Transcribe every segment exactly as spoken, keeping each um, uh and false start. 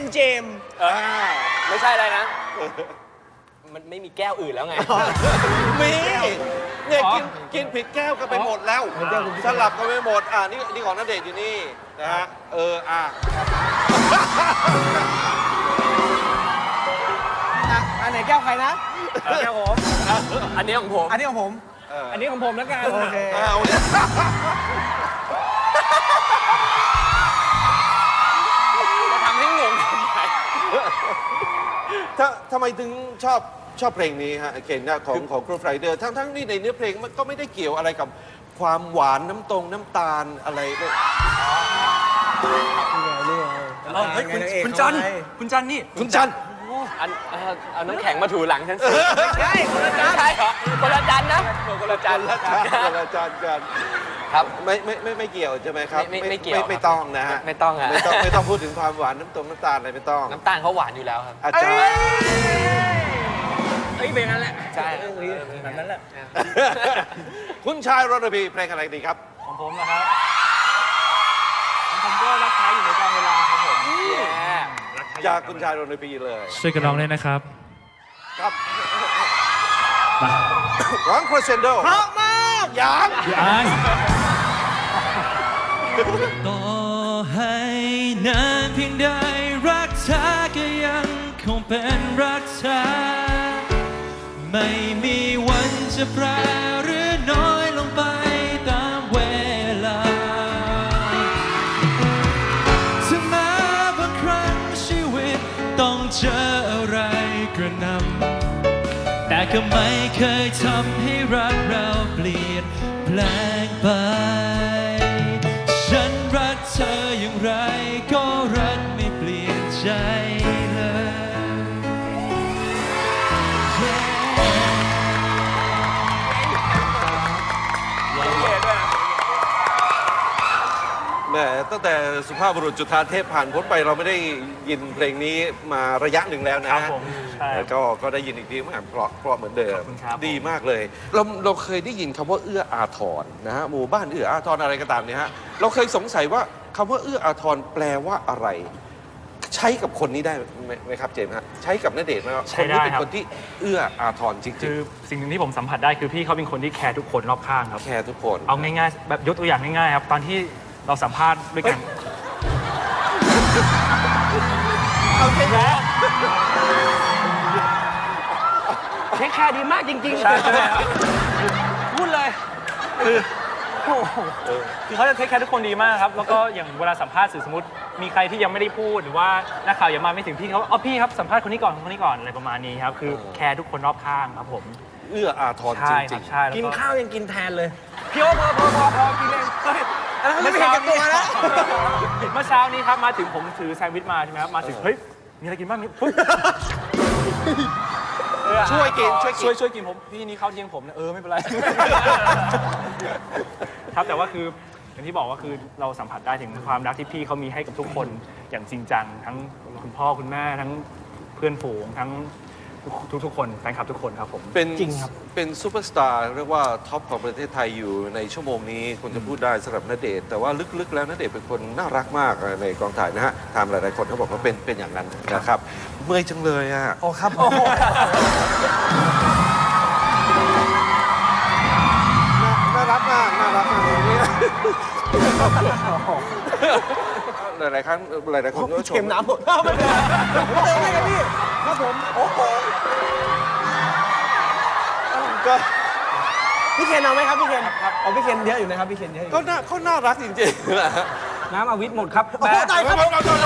เจมส์เออไม่ใช่อะไรนะ มันไม่มีแก้วอื่นแล้วไงมีเนี่ยกินกินผิดแก้วกันไปหมดแล้วสลับกันไปหมดอ่านี่นี่ของณเดชน์อยู่นี่นะฮะเอออ่ะอันไหนแก้วใครนะแก้วผม อันนี้ของผมอันนี้ของผมเอออันนี้ของผมแล้วกันโอเคเอาเนี่ยจะทำให้งงทำไมถ้าทำไมถึงชอบชอบเพลงนี้ฮะเคนนะของของครูไฟเดอร์ทั้งทั้งนี่ในเนื้อเพลงมันก็ไม่ได้เกี่ยวอะไรกับความหวานน้ำตรงน้ำตาลอะไรเลยเฮ้ยคุณคุณจันคุณจันนี่คุณจันอันเอ่อเอาน้ำแข็งมาถูหลังฉันสิใช่คนละจานใช่เหรอคนละจันนะคนละจันละจานละจานกันครับไม่ไม่ไม่ไม่เกี่ยวใช่ไหมครับไม่ไม่ไม่เกี่ยวไม่ไม่ต้องนะฮะไม่ต้องอะไม่ต้องไม่ต้องพูดถึงความหวานน้ำตรงน้ำตาลอะไรไม่ต้องน้ำตาลเขาหวานอยู่แล้วครับอาจารย์เอ้ยเป็นงั้นแหละใช่แบบนั้นแหละคุณชายรณพีเพลงอะไรดีครับของผมนะครับของผมก็รักใครอยู่ในกองเวลาครับผมจากคุณชายรณพีเลยช่วยกันร้องด้วยนะครับครับมาร้องครเซนโดเพราะมากยังพี่อายต่อให้นานเพียงใดรักเธอก็ยังคงเป็นรักเธอไม่มีวันจะแปรหรือน้อยลงไปตามเวลาถึงแม้บางครั้งชีวิตต้องเจออะไรกระหน่ำแต่ก็ไม่เคยทำให้รักเราเปลี่ยนแปลงไปฉันรักเธออย่างไรก็รักไม่เปลี่ยนใจเลยแหมตั้งแต่สุภาพบุรุษจุฑาเทพผ่านพ้นไปเราไม่ได้ยินเพลงนี้มาระยะหนึ่งแล้วนะครับผมใช่แล้วก็ก็ได้ยินอีกทีเหมือนกันเพราะเพราะเหมือนเดิมขอบคุณครับดีมากเลย เราเราเคยได้ยินคำว่าเอื้ออาทรนะฮะหมู่บ้านเอื้ออาทรอะไรก็ตามเนี่ยฮะเราเคยสงสัยว่าคำว่าเอื้ออาทรแปลว่าอะไร ใช้กับคนนี้ได้ไหมไหมครับเจมส์ฮะใช้กับณเดชน์ไหมว่าใช้คนได้นี้เป็นครับคนที่เอื้ออาทรจริคืงอสิ่งหนึ่งที่ผมสัมผัสได้คือพี่เขาเป็นคนที่แคร์ทุกคนรอบข้างครับๆแคร์ทุกคนเอาง่ายๆแบบยกตัวอย่างง่ายๆครับตอนที่เราสัมภาษณ์ด้วยกันเอาเทคแคร์เทคแคร์ดีมากจริงๆใช่ใช่ไหมครับพูดเลยคือโอ้โหคือเขาจะเทคแคร์ทุกคนดีมากครับแล้วก็อย่างเวลาสัมภาษณ์สื่อสมมติมีใครที่ยังไม่ได้พูดหรือว่านักข่าวยังมาไม่ถึงพี่เขาอ๋อพี่ครับสัมภาษณ์คนนี้ก่อนคนนี้ก่อนอะไรประมาณนี้ครับคือแคร์ทุกคนรอบข้างครับผมเอื้ออาทรจใช่คริรังบใช่แล้วกินก็ข้าวยังกินแทนเลยพี่โอ้พอพอพอพอกินเองเฮ้ยอันนั้นไม่เห็นกับตัวแล้วเมื่อเช้านี้ครับมาถึงผมถือแซนด์วิชมาใช่ไหมครับมาถึงเฮ้ยมีอะไรกินบ้างนี่ปุ๊บๆช่วยกินช่วยกินช่วยช่วยกินผมพี่นี่ข้าวเที่ยงผมนะเออไม่เป็นไร ครับแต่ว่าคืออย่างที่บอกว่าคือเราสัมผัสได้ถึงความรักที่พี่เขามีให้กับทุกคนอย่างจริงจังทั้งคุณพ่อคุณแม่ทั้งเพื่อนฝูงทั้งทุกทุกๆคนแฟนคลับทุกคนครับผมเป็นจริงครับเป็นซูเปอร์สตาร์เรียกว่าท็อปของประเทศไทยอยู่ในชั่วโมงนี้คนจะพูดได้สำหรับณเดชน์แต่ว่าลึกๆแล้วณเดชน์เป็นคนน่ารักมากในกองถ่ายนะฮะทำหลายๆคนเขาบอกว่าเป็นเป็นอย่างนั้นนะครับ เมื่อยจังเลยอ่ะโอ้ครับโอ้โหน่ารักมากน่ารักมากเนี่ยหลายๆครั้งหลายๆคนก็ชมเค็มน้ำหมดไม่เป็นไรเติมให้กันพี่ครับผมโอ้โหก็พี่เคนเอาไหมครับพี่เคนเอาพี่เคนเยอะอยู่นะครับพี่เคนเยอะอยู่ก็น่าเขาน่ารักจริงๆนะฮะน้ำอวิทหมดครับโอ้โหตายครับ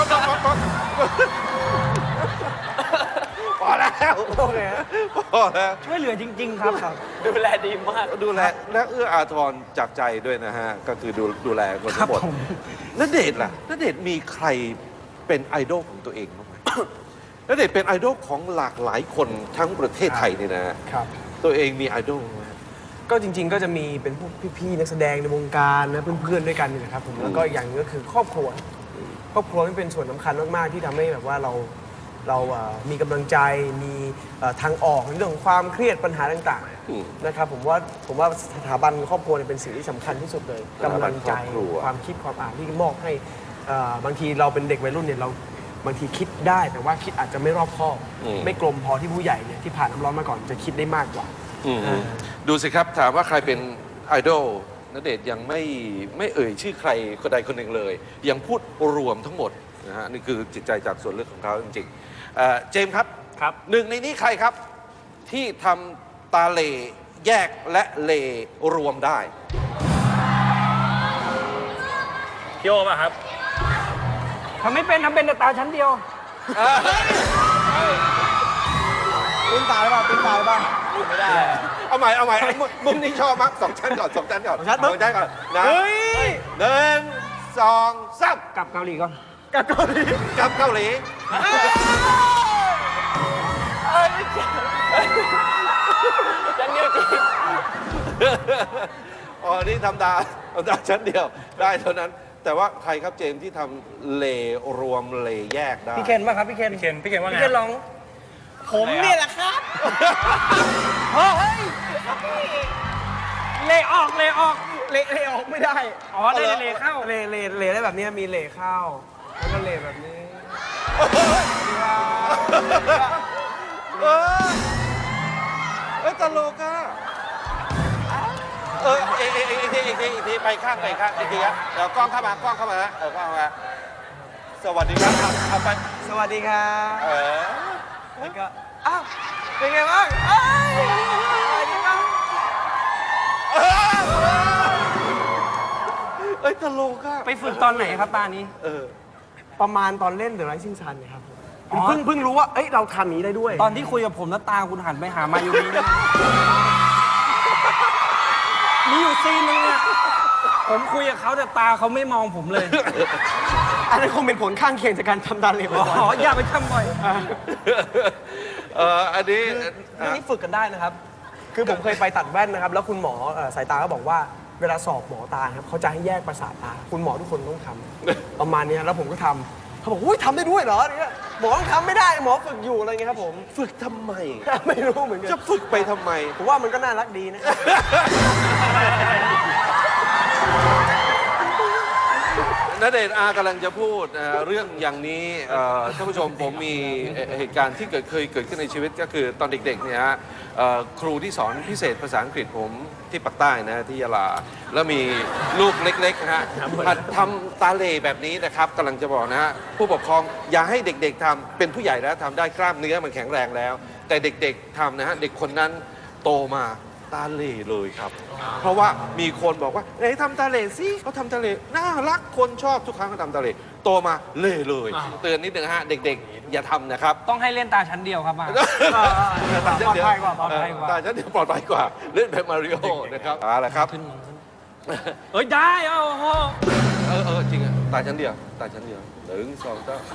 พอแล้วโอเคพอแล้วช่วยเหลือจริง ๆ ครับครับดูแลดีมากดูแลและเอื้ออาทรจากใจด้วยนะฮะ ก็คือดูดูแลคนครัทั้บงหมดผมณเดชน์ล่ะณเดชน์มีใครเป็นไอดอลของตัวเองบ้างไหม ณเดชน์เป็นไอดอลของหลากหลายคนทั้งประเทศไทยนี่นะฮะครับตัวเองมีไอดอลไหมก็จริง ๆ ก็จะมีเป็นพวกพี่ๆนักแสดงในวงการนะเพื่อนๆด้วยกันนี่นะครับผมแล้วก็อย่างหนึงก็คือครอบครัว ครอบครัวนี่เป็นส่วนสำคัญมากๆที่ทำให้แบบว่าเราเราเอ่อมีกำลังใจมีเอ่อทางออกในเรื่องของความเครียดปัญหาต่างอืมๆนะครับผมว่าผมว่าสถาบันครอบครัวเนี่ยเป็นสิ่งที่สำคัญที่สุดเลยสถาบันกำลังใจครอบครัวความคิดความอ่านที่มอบให้เอ่อบางทีเราเป็นเด็กวัยรุ่นเนี่ยเราบางทีคิดได้แต่ว่าคิดอาจจะไม่รอบคอบอืมไม่กลมพอที่ผู้ใหญ่เนี่ยที่ผ่านน้ำร้อนมาก่อนจะคิดได้มากกว่าอืมดูสิครับถามว่าใครเป็นไอดอลณเดชน์ยังไม่ไม่เอ่ยชื่อใครคนใดคนหนึ่งเลย ยังพูดรวมทั้งหมดนะฮะนี่คือจิตใจจากส่วนลึกของเขาจริงๆเอ่อเจมส์ครับครับหนึ่งในนี้ใครครับ ที่ทำตาเหลแยกและเลรวมได้พี่โอป่ะครับทำไม่เป็นทำเป็นแต่ตาชั้นเดียวปิ้นตาหรือเปล่าปิ้นตาหรือเปล่าไม่ได้เอาใหม่เอาใหม่เอามุมมุมนี้ชอบมั้งสองชั้นก่อนสองชั้นก่อนสองชั้นปึ๊บสองชั้นก่อนนะเฮ้ยหนึ่งสองสามกลับเกาหลีก่อนกับเกาหลีกับเกาหลีชั้นเดียวจริงอ๋อนี่ทำตาทำตาชั้นเดียวได้เท่านั้น แต่ว่าใครครับเจมส์ที่ทำเลรวมเลแยกได้พี่เคนป่ะครับพี่เคนพี่เคนพี่เคนว่าไงพี่เคนลอง ผมเนี่ยแหละครับเฮ้ยเลออกเลออกเละเละออกไม่ได้อ๋อได้เลเข้าเละเละเละได้แบบนี้มีเละเข้าแล้วก็เละแบบนี้เออเออตลกอ่ะเออเอเอเออีกทีอีกทีอีกทีไปข้างไปข้างอีกทีครับเดี๋ยวกล้องเข้ามากล้องเข้ามานะเออกล้องเข้ามาสวัสดีครับเอาเอาไปสวัสดีครับเออแล้วก็อ้าวเป็นไงบ้างเอ้ยสวัสดีครับเออเอ้ยตลกอ่ะไปฝึกตอนไหนครับตานี้เออประมาณตอนเล่น The Rising Sun เนี่ยครับผมอ๋อเพิ่งเพิ่งรู้ว่าเอ้ยเราทำอย่างนี้ได้ด้วยตอนที่คุยกับผมแล้วตาคุณหันไปหามายูมิเนี่ยมีอยู่ซีนนึงอะผมคุยกับเขาแต่ตาเขาไม่มองผมเลยอันนั้นคงเป็นผลข้างเคียงจากการทำตาเหลวอ๋ออย่าไปทำบ่อยเอออันนี้เรื่องนี้ฝึกกันได้นะครับ คือผมเคยไปตัดแว่นนะครับ แล้วคุณหมอเอ่อสายตาก็บอกว่าเวลาสอบหมอตาครับเขาจะให้แยกประสาทตา คุณหมอทุกคนต้องทำ ประมาณเนี้ยแล้วผมก็ทำเขาบอกอุ้ยทำได้ด้วยเหรอเนี่ยหมอต้องทำไม่ได้หมอฝึกอยู่อะไรเงี้ยครับผมฝึกทำไมไม่รู้เหมือนกันจะฝึกไปทำไมผมว่ามันก็น่ารักดีนะณเดชน์อากำลังจะพูดเอ่อเรื่องอย่างนี้เอ่อท่านผู้ชมผมมีเอ่อเหตุการณ์ที่เกิดเคยเกิดขึ้นในชีวิตก็คือตอนเด็กๆเนี่ยฮะเอ่อครูที่สอนพิเศษภาษาอังกฤษผมที่ปากใต้นะที่ยะลา แล้วมีลูกเล็กๆนะฮะหัดทำตาเหลแบบนี้นะครับกำลังจะบอกนะฮะผู้ปกครองอย่าให้เด็กๆทำเป็นผู้ใหญ่แล้วทำได้กล้ามเนื้อมันแข็งแรงแล้ว แต่เด็กๆทำนะฮะเด็กคนนั้นโตมาตาเหล่เลยครับ เพราะว่ามีคนบอกว่าไหนทำตาเหล่สิเขาทำตาเหล่น่ารักคนชอบทุกครั้งเขาทำตาเหล่โตมาเหล่เลย เตือนนิดนึงฮะเด็กๆ อย่าทำนะครับต้องให้เล่นตาชั้นเดียวครับมาตาชั้นเดียวปลอดภัยกว่าปลอดภัยกว่าตาชั้นเดียวปลอดภัยกว่าเล่นแบบมาริโอนะครับเอาละครับเอ้ยได้เอาโอ้โหเออเออจริงอะตาชั้นเดียวตาชั้นเดียวหนึ่งสองสาม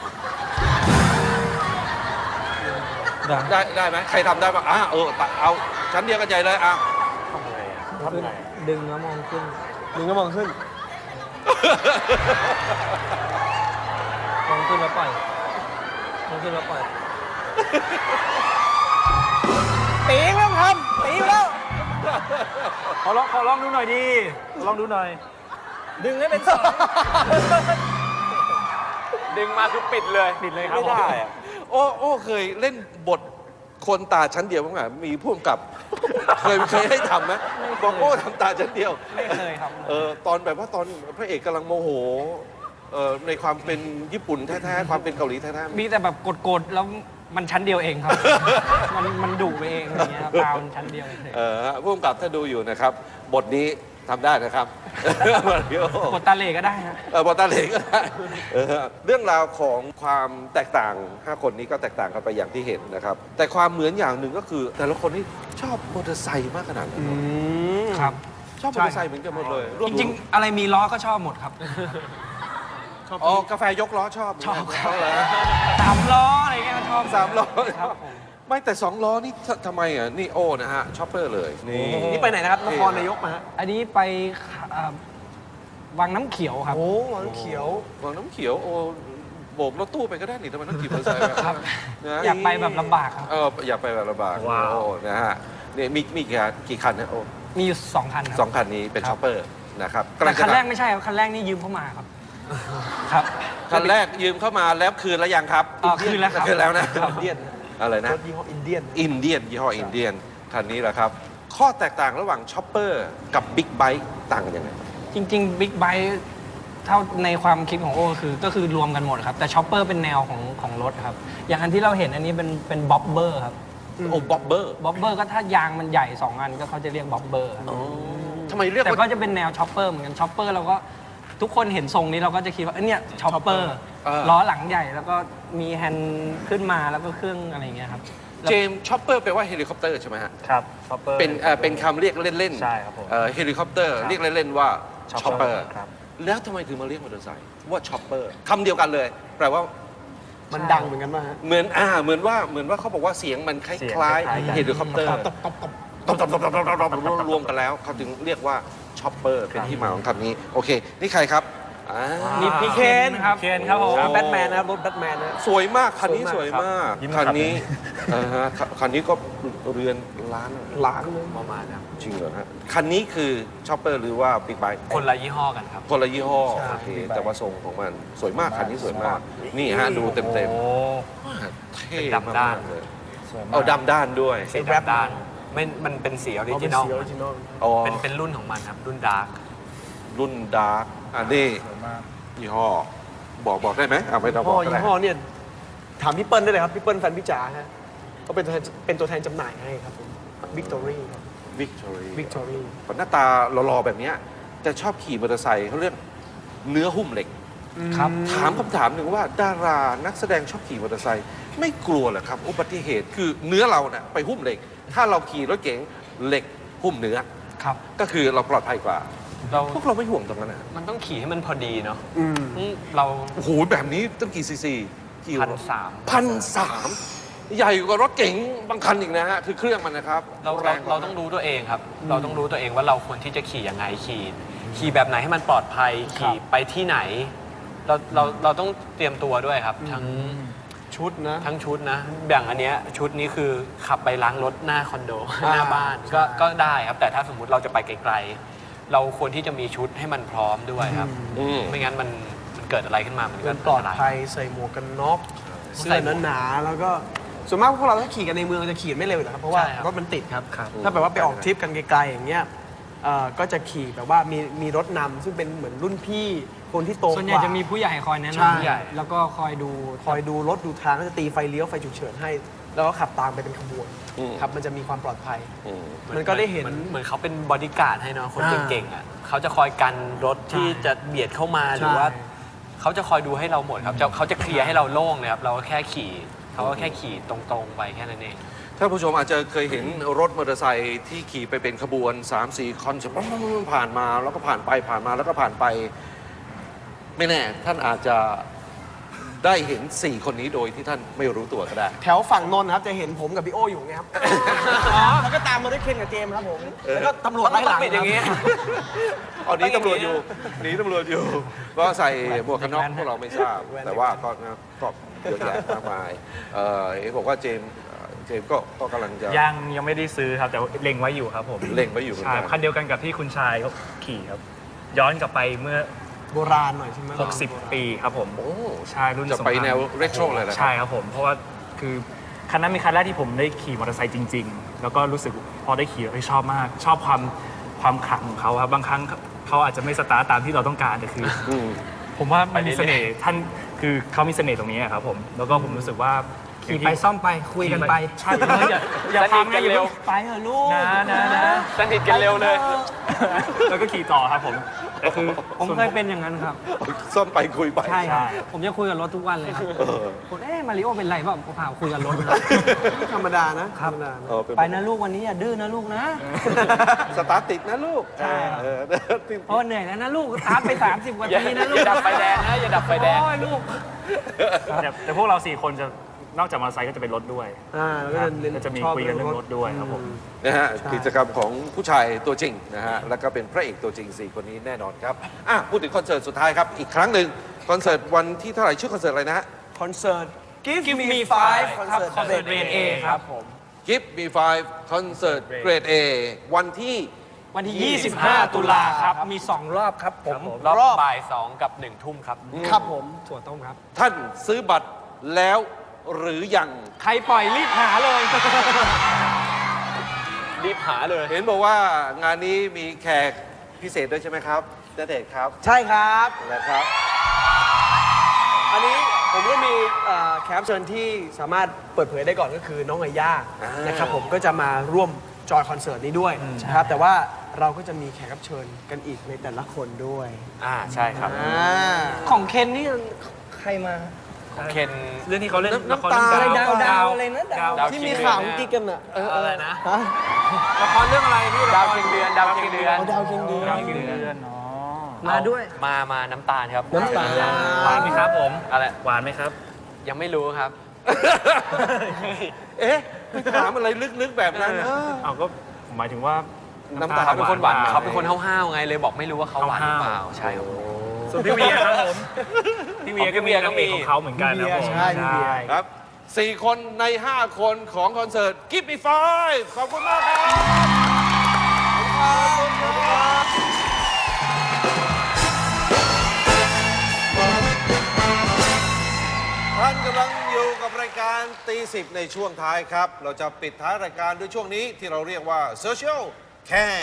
ได้ได้ไหมใครทำได้บ้างอ่ะเออตาเอาชั้นเดียวกันใหญ่เลยอ่ะขึ้นดึงแล้วมองขึ้นมึงก็มองขึ้นมองขึ้นแล้วปล่อยมองขึ้นแล้วปล่อยตีแล้วครับตีแล้วขอลองขอลองดูหน่อยดิขอลองดูหน่อยดึงให้เป็นสองดึงมาคือปิดเลยปิดเลยครับไม่ได้อะโอ้โอ้เคยเล่นบทคนตาชั้นเดียวบ้างไหมมีผู้กำกับ เคยเคยให้ทำไหมบอกโอ้ทำตาชั้นเดียวไม่เคยครับเออตอนแบบว่าตอนพระเอกกำลังโมโหเออในความเป็นญี่ปุ่นแท้ๆความเป็นเกาหลีแท้ๆมีแต่แบบกดๆแล้วมันชั้นเดียวเองครับ มันมันดุไปเองอย่างเงี้ยครับตามันชั้นเดียวเฉยเออผู้กำกับถ้าดูอยู่นะครับ บทนี้ทำได้นะครับ มาริโอๆกดตาเหล่ก็ได้ฮะเออบอลตาเหลงก็ได้เออเรื่องราวของความแตกต่างห้าคนนี้ก็แตกต่างกันไปอย่างที่เห็นนะครับ แต่ความเหมือนอย่างหนึ่งก็คือ แต่ละคนนี่ชอบมอเตอร์ไซค์มากขนาดนั้นเนอะครับชอบมอเตอร์ไซค์เหมือนกันหมดเลยวจริงๆ อะไรมีล้อก็ชอบหมดครับอ๋อกาแฟยกล้อชอบชอบเหมืนครักับ นเหรอสามล้ออะไรเงี้ยก็ชอบสามล้อครับผมไม่แต่สองล้อนี่ททำไมอ่ะนี่โอ้นะฮะชอปเปอร์เลยนี่นี่ไปไหนนะครับนครนายกมาฮะอันนี้ไปอ่าวังน้ำเขียวครับโอ้หวังเขียววังน้ำเขียวโอ้โบกรถตู้ไปก็ได้นี่ทำไมต้องขี่มอเตอร์ไซค์ไปครับนะอยากไปแบบลำบากครับเอออยากไปแบบลำบากว้าวโอ้นะฮะนี่มีมีกี่คันกี่คันนะโอ้มีอยู่สองคันคสรัอง คันนี้เป็นครับชอปเปอร์นะครับแต่คันกำลังจะแรกไม่ใช่ครับ คันแรกนี่ยืมเข้ามาครับ ครับคันแรกยืมเข้ามาแล้วคืนแล้วยังครับอ่าคืนแล้วครับคืนแล้วนะอินเดียนอะไรนะรถยี่ห้ออินเดียนอินเดียนยี่ห้ออินเดียนคันนี้แหละครับ ข้อแตกต่างระหว่างช็อปเปอร์กับบิ๊กไบค์ต่างกันยังไงจริงๆบิ๊กไบค์เท่าในความคิดของโอ้คือก็คือรวมกันหมดครับ แต่ช็อปเปอร์เป็นแนวของของรถครับ อย่างอันที่เราเห็นอันนี้เป็นเป็นบ๊อบเบอร์ครับโอ้บ๊อบเบอร์บ๊อบเบอร์ก็ถ้ายางมันใหญ่สองอันก็เขาจะเรียกบ๊อบเบอร์ครับทำไมเรียกแต่ว่าก็จะเป็นแนวช็อปเปอร์เหมือนกันช็อปเปอร์เราก็ทุกคนเห็นทรงนี้เราก็จะคิดว่าเอ้ยเนี่ยช็อปเปอร์เออล้อหลังใหญ่แล้วก็มีแฮนด์ขึ้นมาแล้วก็เครื่องอะไรอย่างเงี้ยครับเจมส์ช็อปเปอร์แปลว่าเฮลิคอปเตอร์ใช่ไหมฮะครับชอปเปอร์เป็นเอ่อเป็นคำเรียกเล่นๆใช่ครับผมเอ่อเฮลิคอปเตอร์เรียกเล่นๆว่าช็อปเปอร์ครับแล้วทำไมถึงมาเรียกมอเตอร์ไซค์ว่าช็อปเปอร์คำเดียวกันเลย แปลว่ามันดังเหมือนกันป่ะฮะเหมือนอ่าเหมือนว่าเหมือนว่าเขาบอกว่าเสียงมันคเสียงล้ายคล้ายๆกันๆเฮลิคอปเตอร์ตบตบตบตบตบตบตบตบตบรวมกันแล้วเขาจึงเรียกว่าช็อปเปอร์เป็นที่มาของคำนี้ โอเค นี่ใครครับอ่านี่พี่เคนครับเคนครับผมแบทแมนนะครับรถแบทแมนนะสวยมากคันนี้สสววย ยมามาก กยิ้มคันขับนี้เออฮะคันนี้ก็เรือนล้านล้านเลยประมาณครับจริงเหรอฮะคันนี้คือช็อปเปอร์หรือว่าบิ๊กไบค์คนละยี่ห้อกันครับคนละยี่ห้อใช่โอเคแต่ว่าทรงของมันสวยมากคันนี้สวยมาก นี่ฮะดูเต็มเต็มโอ้ๆเท่เป็นดำด้านมกๆเลยสวยมากเอาดำด้านด้วยสีดำด้านไม่มันเป็นสีออริเอาจิเป็นนอลสีออริจินอลอ๋อเป็นเป็นรุ่นของมันครับ รุ่นดาร์กรุ่นดาร์กอันนี้สวยมากยี่ห้อ บอกบอกได้ไหมอ่ะไม่ต้องบพ่ออกก็ยี่ได้ห้อเนี่ยถามพี่เปิ้ลได้เลยครับ พี่เปิ้ลแฟนพี่จ๋าฮะเขาเป็นตัวแทนเป็นตัวแทนจำหน่ายให้ครับผมวิกตอรี่ครับวิกตอรี่วิกตอรี่หน้าตาหล่อๆแบบเนี้ยจะชอบขี่มอเตอร์ไซค์เขาเรียกเนื้อหุ้มเหล็กครับถามคำถามหนึ่งว่าดารานักแสดงชอบขี่มอเตอร์ไซค์ไม่กลัวเหรอครับ อุบัติเหตุคือเนื้อเราเนี่ยไปหุ้มเหล็ก ถ้าเราขี่รถเก๋งเหล็กหุ้มเนื้อครับก็คือเราปลอดภัยกว่าเราพวกเราไม่ห่วงตรงนั้นนะมันต้องขี่ให้มันพอดีเนาะอืมอืมเราโอ้โหแบบนี้ต้องกี่ซีซีกี่พันสามพันสามใหญ่กว่ารถเก๋งบางคันอีกนะฮะคือเครื่องมันนะครับเราแรเรางกว่เราต้องรู้ตัวเองครับ เราต้องรู้ตัวเองว่าเราควรที่จะขี่ยังไงขี่ ขี่แบบไหนให้มันปลอดภัย ขี่ไปที่ไหน เราเราเราต้องเตรียมตัวด้วยครับ ทั้งชุดนะทั้งชุดนะอย่างอันเนี้ยชุดนี้คือขับไปล้างรถหน้าคอนโดอ่าหน้าบ้านใช่ก็ก็ได้ครับ แต่ถ้าสมมุติเราจะไปไกลๆ เราควรที่จะมีชุดให้มันพร้อมด้วยครับอืมไม่งั้นมันมันเกิดอะไรขึ้นมามันก็เป็นปลอดนตรายภัยใส่หมวกกันน็อกเสื้ใส่อหมวกหนาๆแล้วก็ส่วนมากพวกเราถ้าขี่กันในเมืองจะขี่ไม่เร็วอยู่แล้วครับเพราะว่าใช่ครับรถมันติดครับครับถ้าแบบว่าไปออกทริปกันไกลๆอย่างเงี้ยเอ่อก็จะขี่แบบว่ามีมีรถนำซึ่งเป็นเหมือนรุ่นพี่คนที่โตกว่าส่วนใหญ่จะมีผู้ใหญ่คอยแนะใช่นำแล้วก็คอยดูคอยดูรถดูทางก็จะตีไฟเลี้ยวไฟฉุกเฉินให้ แล้วก็ขับตามไปเป็นขบวนอืมครับมันจะมีความปลอดภัยอืมมันก็ได้เห็นมือเหมือนเขาเป็นบอดี้การ์ดให้เนาะคนอ่าเก่งๆอ่ะเขาจะคอยกันรถที่ใช่จะเบียดเข้ามาหรือใช่ว่าเขาจะคอยดูให้เราหมดครับจะเขาจะเคลียร์ให้เราโล่งเลยครับเราก็แค่ขี่เขาก็แค่ขี่ตรงๆไปแค่นั้นเองท่านผู้ชมอาจจะเคยเห็นรถมอเตอร์ไซค์ที่ขี่ไปเป็นขบวน สามสี่ คอนจะผ่านมาแล้วก็ผ่านไปผ่านมาแล้วก็ผ่านไป ไม่แน่ ท่านอาจจะได้เห็น สี่ คนนี้โดยที่ท่านไม่รู้ตัวก็ได้แถวฝั่งนนท์ครับจะเห็นผมกับพี่โออยู่ไงครับ แล้วก็ตามมาด้วยเคนกับเจมส์ครับผมแล้วก็ตำรวจไล่หลังต้องปิดอย่างงี้เอาหนีตำรวจอยู่หนีตำรวจอยู่ ก็ใส่หมวกกันน็อกพวกเราไม่ทราบ แต่ว่าก็นะก็เยอะแยะมากมายเอ่อเห็นบอกว่าเจมส์เอ่อเจมส์ก็ก็กำลังจะยังยังไม่ได้ซื้อครับ แต่เล็งไว้อยู่ครับผมเล็งไว้อยู่เหมือนใช่กันคันเดียวกันกับที่คุณชายเขาขี่ครับ ย้อนกลับไปเมื่อโบราณหน่อยใช่ไหม 60 ปีครับผมโอ้ใช่รุ่นจะสงคไปรามแนวเรโทรเลยนะครับใช่ครับผม เพราะว่าคือคันนั้นเป็นคันแรกที่ผมได้ขี่มอเตอร์ไซค์จริง ๆ แล้วก็รู้สึกพอได้ขี่แล้วชอบมาก ชอบความความขลังของเขาครับบางครั้งเขาอาจจะไม่สตาร์ทตามที่เราต้องการแต่คืออืมผมว่ามันมีเสน่ห์ท่านคือเขามีเสน่ห์ตรงนี้ครับผม แล้วก็ผมรู้สึกว่าขี่ไปซ่อมไปคุยกันไปใช่อย่าอย่าพังนะอย่าเพิ่งไปเถอะลูกนะนะนะสนิทกันเร็วเลยแล้วก็ขี่ต่อครับผมแต่คือผมเคยเป็นอย่างนั้นครับซ่อมไปคุยไปใช่ครับ ผมจะคุยกับรถทุกวันเลยครับคนเอ๊ะมาริโอเป็นไรเปล่าผมพาคุยกับรถนะธรรมดานะธรรมดานะเออเป็นไปนะลูกวันนี้อย่าดื้อนะลูกนะสตาร์ทติดนะลูกใช่ครับเออเพราะว่าเหนื่อยแล้วนะลูกตามไป สามสิบกว่าอย่าทีนะลูอก ย่าดับไฟแดงนะอย่าดับไฟแดงโอ้ยลูกแต่แต่พวกเราสี่คนจะนอกจากมอเตอร์ไซค์ก็จะเป็นรถด้วยอ่าแล้วก็เน้นก็จะมีชอบคุยกันเรื่องรถด้วยครับผมนะฮะใช่กิจกรรมของผู้ชายตัวจริงนะฮะแล้วก็เป็นพระเอกตัวจริง สี่ คนนี้แน่นอนครับอ่ะพูดถึงคอนเสิร์ตสุดท้ายครับ อีกครั้งหนึ่งคอนเสิร์ตวันที่เท่าไหร่ชื่อคอนเสิร์ตอะไรนะฮะคอนเสิร์ต Give, Give Me Me Five Five คอนครับเสิร์ตคอนเสิร์ต Grade A ครับผม Give Me Five คอนเสิร์ตเกรด A วันที่วันที่ ยี่สิบห้า ตุลาครับ มี สอง รอบครับผมรอบรอบบ่ายสองกับหนึ่งทุ่มครับครับผมถั่วต้มครับท่านซื้อบัตรแล้วหรือยังใครปล่อยรีบหาเลยรีบหาเลยเห็นบอกว่างานนี้มีแขกพิเศษด้วยใช่ไหมครับณเดชน์ครับใช่ครับนะครับอันนี้ผมก็มีเอ่อแขกรับเชิญที่สามารถเปิดเผยได้ก่อนก็คือน้องไอย่าอ่านนะครับผมก็จะมาร่วมจอยคอนเสิร์ตนี้ด้วยนะครับแต่ว่าเราก็จะมีแขกรับเชิญกันอีกในแต่ละคนด้วยอ่าใช่ครับอ่าของเคนนี่ใครมาของเคนเรื่องที่เขาเล่นน้ำละครน้ำตาเรื่องดาวดาวอะไรนะดาวดาวที่เคีมียงเดือนข่าวเนี่ยกิ๊กกันอ่ะอะไรนะฮะละครเรื่องอะไรพี่ดาวเคียงเดือนดาวเคียงเดือนเอาดาวเคียงเดือนดาวเคียงเดือนเนาะมาด้วยมามาน้ำตาลครับน้ำตาลหวานไหมครับผมอะไรหวานไหมครับยังไม่รู้ครับเอ๊ะถามอะไรลึกๆแบบนั้นเออเอาก็หมายถึงว่าน้ำตาลเขาเป็นคนหวานปเขาเป็นคนห้าวๆไงเลยบอกไม่รู้ว่าเขาหวานหรือเปล่าใช่ครับส่วนพี่เวียครับผมพี่เวียก็มีพี่เวียก็นางมีเอกของเขาเหมือนกันนะผมใช่พี่เวียครับสี่คนในห้าคนของคอนเสิร์ต Give Me Five ขอบคุณมากครับท่านกำลังอยู่กับรายการตีสิบในช่วงท้ายครับ เราจะปิดท้ายรายการด้วยช่วงนี้ที่เราเรียกว่า Social Can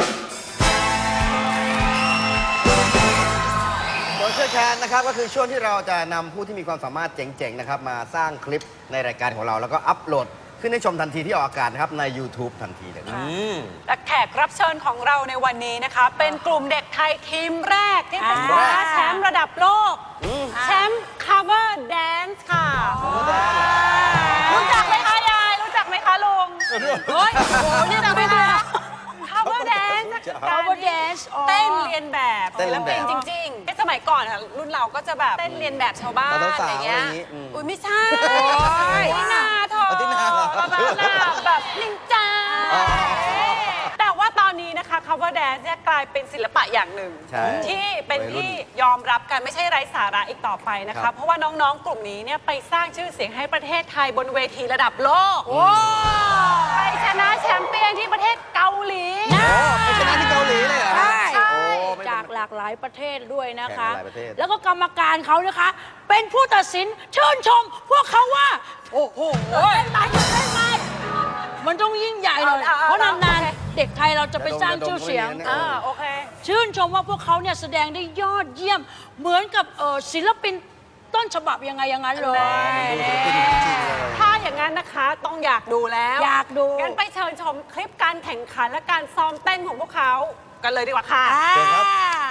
โซเชียลแคนนะครับก็คือช่วงที่เราจะนำผู้ที่มีความสามารถเจ๋งๆนะครับมาสร้างคลิปในรายการของเรา แล้วก็อัปโหลดขึ้นให้ชมทันทีที่ออกอากาศนะครับใน YouTube ทันทีเลยครับและแขกรับเชิญของเราในวันนี้นะคะ เป็นกลุ่มเด็กไทยทีมแรกที่เป็นแรกแชมป์ระดับโลก แชมป์ cover dance ค่ะรู้จักไหมคะยาย รู้จักไหมคะลุงเฮ้ยโอ้โหนี่จักไหมคะ cover dance คือการ cover dance อ๋อเต้นเรียนแบบเต้นเรียนแบบศิลปินจริงๆในสมัยก่อนอะรุ่นเราก็จะแบบเต้นเรียนแบบชาวบ้านแต่อะสาวๆไรเงี้ยอะไรอย่างงี้อืมอุ้ยไม่ใช่โอ้ยตินาเธอเอาตินาเหรอแบบแบบแบบนินจา แต่ว่าตอนนี้นะคะ cover dance เนี่ยกลายเป็นศิลปะอย่างหนึ่งใช่ที่เป็นวัยรุ่นที่ยอมรับกันไม่ใช่ไร้สาระอีกต่อไปนะครัคะบเพราะว่าน้องๆ กลุ่มนี้เนี่ยไปสร้างชื่อเสียงให้ประเทศไทยบนเวทีระดับโลกไปชนะแชมเปี้ยนที่ประเทศเกาหลีไปชนะที่เกาหลีเลยเหรอใช่ใช่โอ้ไม่จากหลากหลายประเทศด้วยนะคะแข่งหลายประเทศแล้วก็กรรมการเขานะคะ เป็นผู้ตัดสินชื่นชม พวกเขาว่า โอ้โหเป็นไปเป็นไปมันต้องยิ่งใหญ่เลยเอาเอาเพราะเอานานโอเคๆ เด็กไทยเราจะไปสร้างชื่อเสียงเออ่าโอเคชื่นชมว่าพวกเขาเนี่ยแสดงได้ยอดเยี่ยม เหมือนกับเอ่อศิลปินต้นฉบับยังไงอย่างนั้นเลยถ้าอย่างนั้นนะคะต้องอยากดูแล้วอยากดูงั้นไปเชิญชมคลิปการแข่งขันและการซ้อมเต้นของพวกเขากันเลยดีกว่าค่ะอ่า